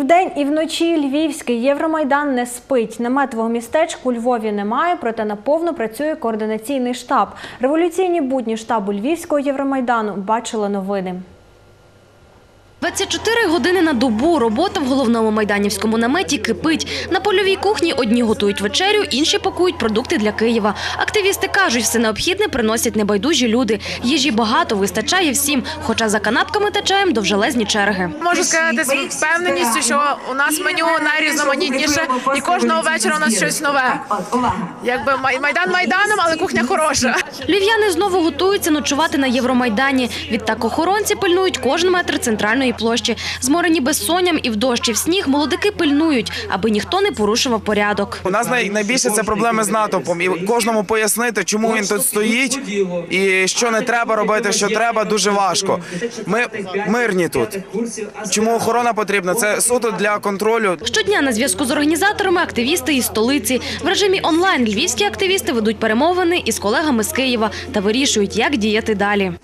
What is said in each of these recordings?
вдень, і вночі Львівський Євромайдан не спить. Наметового містечка у Львові немає, проте наповну працює координаційний штаб. Революційні будні штабу Львівського Євромайдану бачили новини. 24 години на добу робота в головному майданівському наметі кипить. На польовій кухні одні готують вечерю, інші пакують продукти для Києва. Активісти кажуть, все необхідне приносять небайдужі люди. Їжі багато, вистачає всім, хоча за канапками та чаєм довжелезні черги. Можу сказати з впевненістю, що у нас меню найрізноманітніше і кожного вечора у нас щось нове. Якби Майдан майданом, але кухня хороша. Львів'яни знову готуються ночувати на Євромайдані. Відтак охоронці пильнують кожен метр центральної площі. Зморені безсонням і в дощ, і в сніг молодики пильнують, аби ніхто не порушував порядок. У нас найбільше це проблеми з натовпом. І кожному пояснити, чому він тут стоїть і що не треба робити, що треба, дуже важко. Ми мирні тут. Чому охорона потрібна? Це суто для контролю. Щодня на зв'язку з організаторами активісти із столиці. В режимі онлайн львівські активісти ведуть перемовини із колегами з Києва та вирішують, як діяти далі.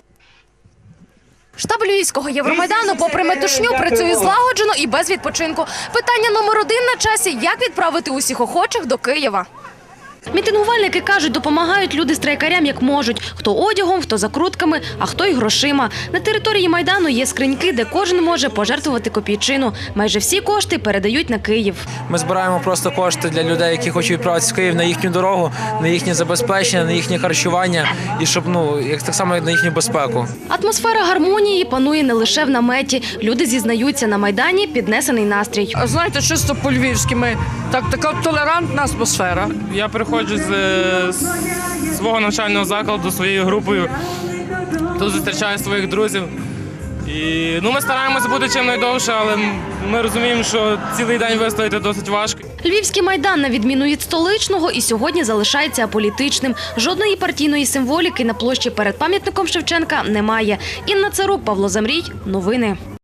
Штаб Львівського Євромайдану, попри метушню, працює злагоджено і без відпочинку. Питання номер один на часі – як відправити усіх охочих до Києва. Мітингувальники кажуть, допомагають люди страйкарям як можуть. Хто одягом, хто закрутками, а хто й грошима. На території Майдану є скриньки, де кожен може пожертвувати копійчину. Майже всі кошти передають на Київ. Ми збираємо просто кошти для людей, які хочуть відправитися в Київ на їхню дорогу, на їхнє забезпечення, на їхнє харчування і щоб, так само на їхню безпеку. Атмосфера гармонії панує не лише в наметі. Люди зізнаються, на Майдані піднесений настрій. Знаєте, чисто по-львівськи така толерантна атмосфера. Я приходжу з свого навчального закладу своєю групою, тут зустрічаю своїх друзів. І ми стараємося бути чим найдовше, але ми розуміємо, що цілий день вистояти досить важко. Львівський Майдан, на відміну від столичного, і сьогодні залишається аполітичним. Жодної партійної символіки на площі перед пам'ятником Шевченка немає. Інна Царук, Павло Замрій. Новини.